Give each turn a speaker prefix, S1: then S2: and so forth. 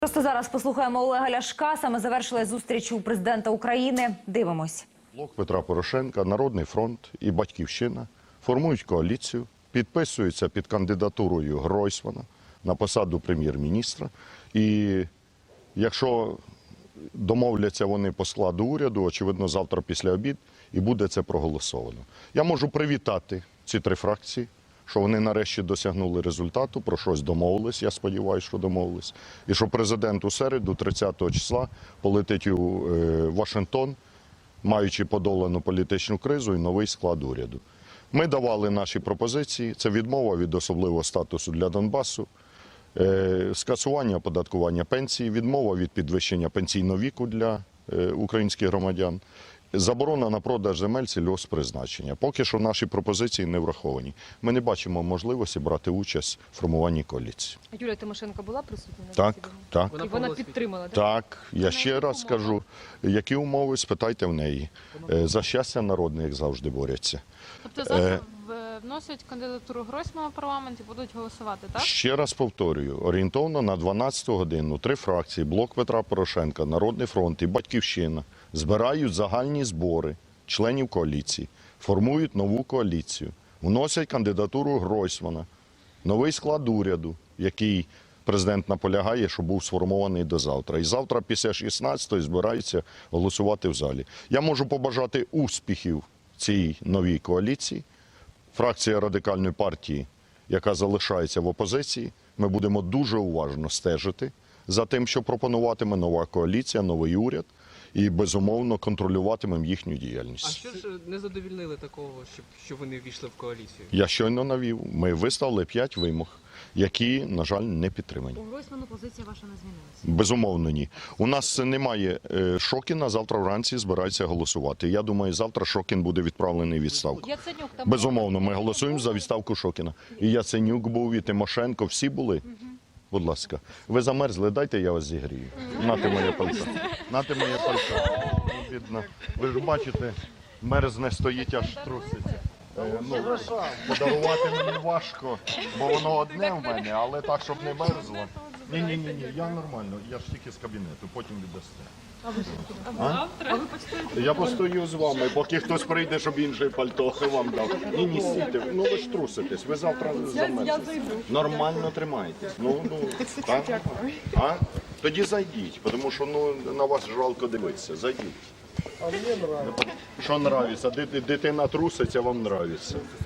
S1: Просто зараз послухаємо Олега Ляшка. Саме завершилась зустріч у президента України. Дивимось.
S2: Блок Петра Порошенка, Народний фронт і Батьківщина формують коаліцію, підписуються під кандидатурою Гройсмана на посаду прем'єр-міністра. І якщо домовляться вони по складу уряду, очевидно, завтра після обід і буде це проголосовано. Я можу привітати ці три фракції, що вони нарешті досягнули результату, про щось домовились, я сподіваюся, що домовились. І що президент у середу, 30 числа, полетить у Вашингтон, маючи подолану політичну кризу і новий склад уряду. Ми давали наші пропозиції. Це відмова від особливого статусу для Донбасу, скасування оподаткування пенсій, відмова від підвищення пенсійного віку для українських громадян, заборона на продаж земель сільгосппризначення. Поки що наші пропозиції не враховані. Ми не бачимо можливості брати участь в формуванні коаліції.
S3: Юлія Тимошенко була присутня на
S2: Так,
S3: засіданні?
S2: так.
S3: І вона підтримала?
S2: Так, я ще раз скажу, які умови, спитайте в неї. За щастя народне, як завжди, борються.
S4: Тобто завтра вносять кандидатуру Гройсмана в парламент і будуть голосувати, так?
S2: Ще раз повторюю, орієнтовно на 12 годину три фракції, Блок Петра Порошенка, Народний фронт і Батьківщина збирають загальні збори членів коаліції, формують нову коаліцію, вносять кандидатуру Гройсмана, новий склад уряду, який президент наполягає, що був сформований до завтра. І завтра після 16-ї збираються голосувати в залі. Я можу побажати успіхів цій новій коаліції. Фракція Радикальної партії, яка залишається в опозиції, ми будемо дуже уважно стежити за тим, що пропонуватиме нова коаліція, новий уряд, і, безумовно, контролюватимемо їхню діяльність.
S5: А що ж не задовільнили такого, щоб вони ввійшли в коаліцію?
S2: Я щойно навів. Ми виставили 5 вимог, які, на жаль, не підтримані.
S6: У Гройсману позиція ваша не змінилася?
S2: Безумовно, ні. У нас немає Шокіна, завтра вранці збирається голосувати. Я думаю, завтра Шокін буде відправлений у відставку.
S4: Яценюк там
S2: Безумовно, ми голосуємо за відставку Шокіна. І Яценюк був, і Тимошенко, всі були. Будь ласка. Ви замерзли, дайте я вас зігрію. Нате моє пальто. Нате моє пальто. Бідно. Ви ж бачите, мерзне стоїть, аж труситься. Подарувати мені важко, бо воно одне в мене, але так, щоб не мерзло. Ні, я нормально, я ж тільки з кабінету, потім віддасте. Я постою з вами, поки хтось прийде, щоб інше пальто вам дав. Ні, стійте, ну ви ж труситесь, ви завтра замерзнете. Нормально тримайтесь. Так? А? Тоді зайдіть, тому що на вас жалко дивитися, зайдіть. А мені нравиться. Що нравиться? Дитина труситься, вам нравиться.